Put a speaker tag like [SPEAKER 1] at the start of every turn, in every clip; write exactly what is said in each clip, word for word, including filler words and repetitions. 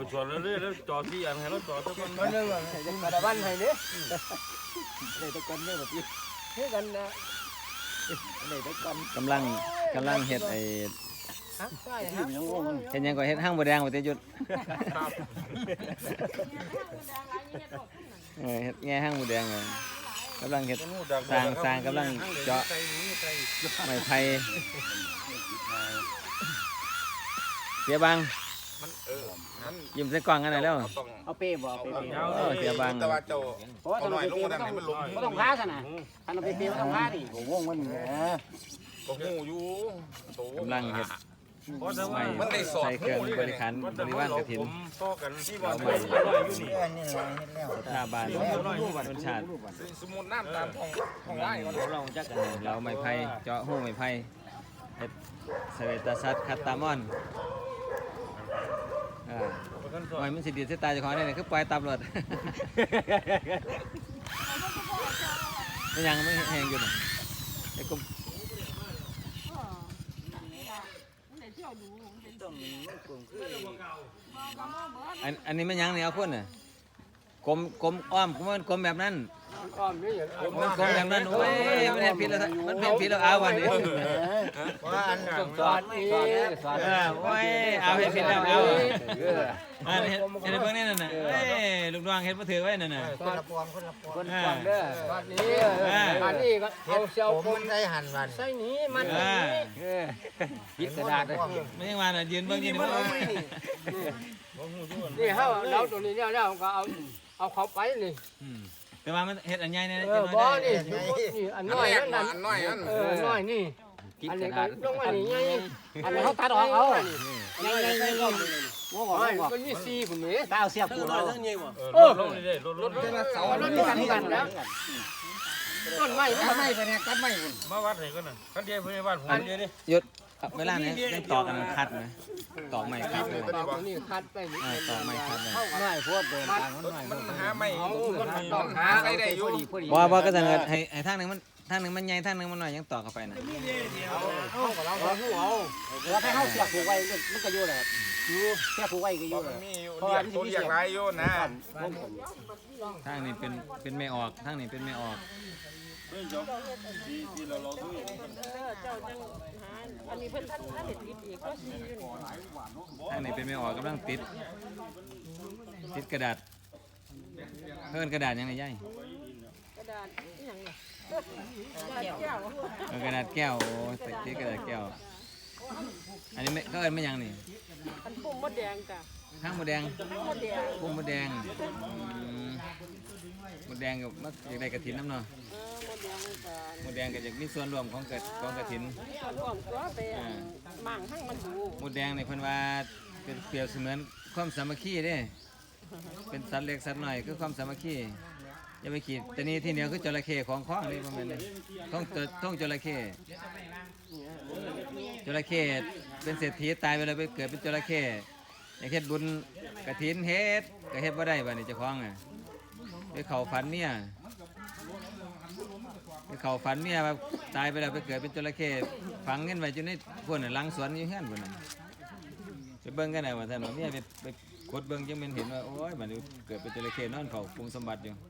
[SPEAKER 1] ชวนเรื่อยๆแล้วจอดที่อันให้เราจอดทุกคน
[SPEAKER 2] มันเรื่องอะไรจะกระบันให้เนี่ยเลยตะกันเนี่ยแบบนี้เฮ้ยกันนะเลยตะกัน
[SPEAKER 3] กำลังกำลังเฮ็ดไอ้
[SPEAKER 2] ฮะใช่ฮะ
[SPEAKER 3] เฮ็ดหยังก็เฮ็ดห้างบ่แดงบ่ติหยุดเออเฮ็ดแง่ห้างบ่แดงเลยกำลังเฮ็ดสร้างสร้างกำลังเจาะไม้ไผ่เสียบังยิ้มใส่กล้องกันหน่อยแล้ว
[SPEAKER 2] เอาเป้บ่เอาเป้
[SPEAKER 3] เออเสียบัง
[SPEAKER 4] แต่ว่าเจ้า
[SPEAKER 2] เพราะว่าถ้าเราเป้ไม่ต้องไม่ต้องพาซะนะถ้าเราเป้ไม่ต้องพาดิโอ้โหมันแหม
[SPEAKER 4] ก็หูอยู่โต
[SPEAKER 3] กำลังเฮ็ด
[SPEAKER 1] เพราะแต่ว่า
[SPEAKER 4] มันได้สอด
[SPEAKER 3] ใส่เครื่องบริการบริวารกฐิน
[SPEAKER 1] ต่อกันที่ว่า
[SPEAKER 3] เอา
[SPEAKER 1] ไม่
[SPEAKER 3] ใหม่
[SPEAKER 1] อยู่นี่
[SPEAKER 3] หน้าบ้านต้นชาติ
[SPEAKER 4] สมุนน้ำตามท้องท้องไร่มัน
[SPEAKER 3] เราจักกันเราไม้ไผ่เจาะหูไม้ไผ่เฮ็ดเสวตสัตว์คัตตามอนอ่าปล่อยมันสิดีดใส่ตาเจ้าของได้นี่คือปล่อยตับรถมันยังไม่แห้งอยู่น่ะไอ้กลมอันอันนี้มันยังนี่เอาคนน่ะกลมกลมอ้อมมันกลมแบบนั้น
[SPEAKER 2] อ้อมนี่อย่าง
[SPEAKER 3] มันกลมแบบนั้นโอ้ยมันเห็นผิดแล้วมันเห็นผิดแล้วเอาวันนี้
[SPEAKER 2] ว่าอันสอนนี่สอน
[SPEAKER 3] เออโอ้ยเอาเห็นผิดแล้วเอาอันเห็นเห็นเบิ่งนี่นั่นน่ะเอ้ยลูกน้องเห็นบ่ถือไว้นั่นน่ะ
[SPEAKER 2] คนละปวงคนละปวงคนละปวงเด้อบ้านนี้บ้านนี้ก็เอาเชียวผมได้หันวันใส่นี้มันนี้พิกระดาษเลย
[SPEAKER 3] ไม่ยังว่าน่ะยืนเบิ่งยืนเบิ่ง
[SPEAKER 2] นี่เฮาเราตัวนี้แล้วแล้วก็เอาเอาเขาไปนี่
[SPEAKER 3] อืมแต่ว่ามันเฮ็ดอันใหญ่เนี่ย
[SPEAKER 2] เออบ่นี่นี่อันน้อยอันนั้น
[SPEAKER 4] อันน้อยอัน
[SPEAKER 2] เออน้อยนี่อันนี้ก็ลงมานี่ไงอันนี้เขาตัดออกเอาไงไงไงลงงอกมันมีสี่คนนี้ตาเอาเสียบกูเอา
[SPEAKER 1] เออลดลงเรื่อยๆลดลดลด
[SPEAKER 2] เสามันมีกันกันแล้วต้นไม้ต้นไม้ไปเนี่ยตัดไม้คุณ
[SPEAKER 1] มาวัดไหนกันน่ะกันเดียวเพื่อนบ้านผมเดียวนี่
[SPEAKER 3] หยุดเวลานี้ยังตอกกันคัดนะตอกไม้คัดเลย
[SPEAKER 2] ตอกนี่คัดไปนี่
[SPEAKER 3] เออตอกไม้คัดเลย
[SPEAKER 2] น้อยพวกเดินทางมันน้อย
[SPEAKER 4] มันหาไม่
[SPEAKER 2] มันต้องหา
[SPEAKER 4] ใช้ได้อยู่
[SPEAKER 3] บ่บ่ก็จะเงินให้ให้ทางนึงมันทางนึงมันใหญ่ทางนึงมันน้อยยังตอกเข้าไปนะ
[SPEAKER 2] เอากับเราเอาเอาแล้วให้เขาเสียบผูกไว้มันก็อยู่แหละอยู่เสียบผูกไว้ก็อยู่
[SPEAKER 4] มันมีอยู่เรียกตัวเรียกไรอยู่นะ
[SPEAKER 3] ทางนี้เป็นเป็นไม่ออกทางนี้เป็นไม่ออก
[SPEAKER 5] อันนี้เพิ่นท่านท่านเห็นติดอีกก็ซีอยู่นี่
[SPEAKER 3] ทางนี้เป็นไม่ออกกำลังติดติดกระดาษเพิ่นกระดาษยังไงย่าย
[SPEAKER 5] กระดาษนี่หยังเนี่ยกระดาษแก้ว
[SPEAKER 3] เออกระดาษแก้วโอ้ติดติดกระดาษแก้วอันนี้ไม่ก็เอิ้นไม่ยังนี่
[SPEAKER 5] อันปุ่มมดแดงจ้ะ
[SPEAKER 3] ข้างหมดแดง
[SPEAKER 5] มดแดง
[SPEAKER 3] พุ่มหมดแดงอืมหมดแดงกับมักอยากได้กระถินน้ำเนาะ
[SPEAKER 5] เออมดแดงนี่จ้ะ
[SPEAKER 3] หมดแดงก็อยากมีส่วนร่วมของกระของกระถิน
[SPEAKER 5] ส่วนรวมตัวไปมั่งให้มันดู
[SPEAKER 3] หมดแดงในเพิ่นว่าเป็นเปรียบเสมือนความสามัคคีเด้ เป็นสัตว์เล็กสัตว์น้อยคือความสามัคคีอย่าไปขีดแต่นี่ที่เหนียวคือจระเข้ของข้องนี่ประมาณนี้ท้องตัวท้องจระเข้จระเข้เป็นเศรษฐีตายไปแล้วไปเกิดเป็นจระเข้อยากเฮ็ดบุญกฐินเฮ็ดก็เฮ็ดบ่ได้บัดนี้เจ้าของอ่ะไปเข้าฝันเมียไปเข้าฝันเมียว่าตายไปแล้วไปเกิดเป็นจระเข้ฝังเงินไว้อยู่ในพวกน่ะหลังสวนอยู่เฮือนพุ่นน่ะไปเบิ่งกันได้ว่าท่านว่าเมียไปไปกดเบิ่งจังแม่นเห็นว่าโอ้ยบัดนี้เกิดเป็นจระเข้นอนเฝ้าปรุงสมบัติอยู่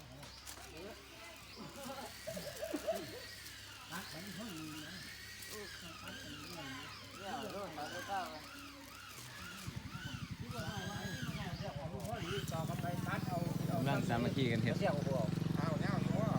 [SPEAKER 3] กำลังสามัคคีกันเฮ็ด
[SPEAKER 4] เอาเนี่ยอยู่ว่า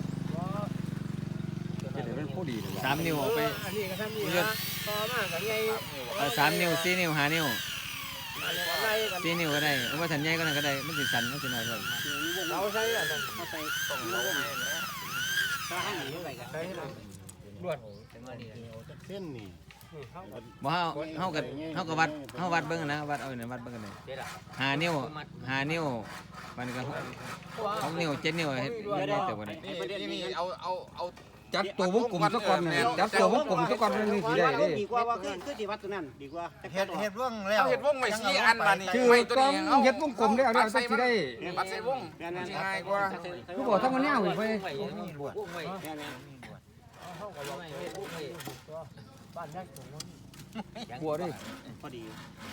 [SPEAKER 3] สามนิ้วออกไป
[SPEAKER 2] อันนี้ก็ทำนี่นะต่อมากกับไง
[SPEAKER 3] เอ่อสามนิ้วสี่นิ้วห้านิ้ว
[SPEAKER 2] อะไรกัน
[SPEAKER 3] สี่นิ้วก็ได้เอาว่าสัญญาก็นั่นก็ได้มันสิสั่นมันสิน้อยเลย
[SPEAKER 2] เราใช้อะไรเขาใส่ต้องเราถ้าให้หนีอะไรกันใช้อะไรรวดเส้นนี่
[SPEAKER 3] บ่เฮาเฮากับเฮากับวัดเฮาวัดเบิ่งนะวัดเอาเนี่ยวัดเบิ่งกันเลยห้านิ้วห้านิ้วมันก็หกนิ้วเจ็ดนิ้วเฮ็ดเฮ็ดได้แต่บ่ได้
[SPEAKER 4] นี่นี่เอาเอาเอา
[SPEAKER 6] จับตัววงกลมซะก่อนเนี่ยจับตัววงกลมซะก่อนมันนี่สิได้เด้
[SPEAKER 2] ดีกว่าว่าคือคือที่วัดตัวนั้นดีกว่า
[SPEAKER 7] เห็ดเห็ดร่วงแล้
[SPEAKER 4] เอา
[SPEAKER 7] ว
[SPEAKER 4] เห็ดวงไว้ชี้อันมานี่
[SPEAKER 6] คือ
[SPEAKER 4] ไม่ตัว
[SPEAKER 6] ต้อง
[SPEAKER 4] นี้เอา
[SPEAKER 6] เฮ็ดวงกลมได้เอาได้เอาสิได้
[SPEAKER 4] ปัดใส่วงง่ายกว่า
[SPEAKER 6] คือบอกถ้ามันยาวไป
[SPEAKER 2] บ้านแรกของมัน
[SPEAKER 6] กลัวดิ
[SPEAKER 2] พอดี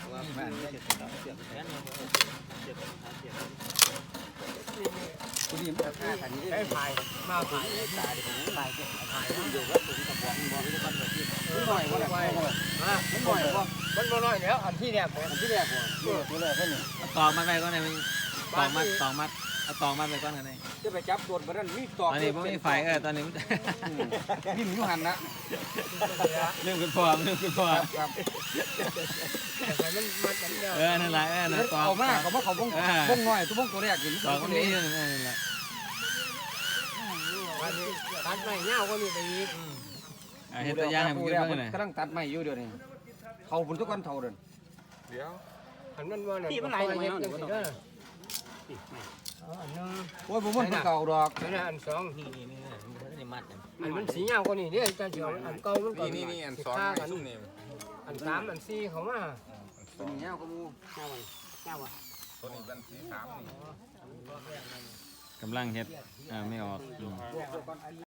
[SPEAKER 6] กูนี่มันฆ่าขันนี้
[SPEAKER 2] ได้ถ่ายมาถ่ายถ่ายถ่ายถ่ายอยู่แล้วผมกับบอกบอกให้ทุกคนแบบนี้
[SPEAKER 6] มันหน่อยว่าอะไร
[SPEAKER 2] อ่ะมันบ่อยบ่มันบ่น้อยแล้วอันที่แรกผม
[SPEAKER 6] อันที่แรกว่าตัวแรกแค่นี้
[SPEAKER 3] เอาตอกมาไปก่อนเลยมันตอกมัดตอกมัดเอาตอกมัดไปก่อนกันเลย
[SPEAKER 6] จะไปจับตัวมันนั่นมีตอก
[SPEAKER 3] ตอนนี้ผมมีไฟเออตอนนี้มัน
[SPEAKER 6] นิ่มอยู่หันนะ
[SPEAKER 3] เรื่องคุณพ่อเรื่องคุณพ่อ
[SPEAKER 6] ครับ
[SPEAKER 2] แต่มันมันมันเดียว
[SPEAKER 3] เออนั่นแหละเออนั่นตอก
[SPEAKER 6] เอามากเขาบอกเขาบ้งบ้งน้อยตัวบ้งตัวแรกกิน
[SPEAKER 3] ตอกมันนี้อยู่นั่นแหละ
[SPEAKER 2] วันนี้ตัดไม่เงาก็มีไปอีก
[SPEAKER 3] อ่ะเห็นตัวอย่างให้ผมกินบ้างหน่อย
[SPEAKER 6] กำลังตัดไม้อยู่เดี๋ยวนี้เขาบุญทุกวันเท่าเดิน
[SPEAKER 4] เดี๋ยว
[SPEAKER 2] อันมันว่าที่มันไหลลงมาเด้ออันนึง
[SPEAKER 6] โอ้ยผมมันเก่าดอก
[SPEAKER 2] อันนั้นอันสอง
[SPEAKER 3] นี่นี่นี่นี่มัด
[SPEAKER 2] อันมันสีเงาก็นี่เนี่ยจะเจียวอันเก่ามันก็
[SPEAKER 4] นี่นี่นี่อันสอง
[SPEAKER 2] ฆ่า
[SPEAKER 4] ไอ้
[SPEAKER 2] กัน
[SPEAKER 4] ซุ่มนี่
[SPEAKER 2] อันสามอันสี่เขามา
[SPEAKER 6] ตัวนี้เงี้ยก็มู
[SPEAKER 2] เจ้าวันเจ้าวัน
[SPEAKER 4] ตัวนี้เป็นสีขาวนี่
[SPEAKER 3] กำลังเฮ็ดอ่าไม่ออก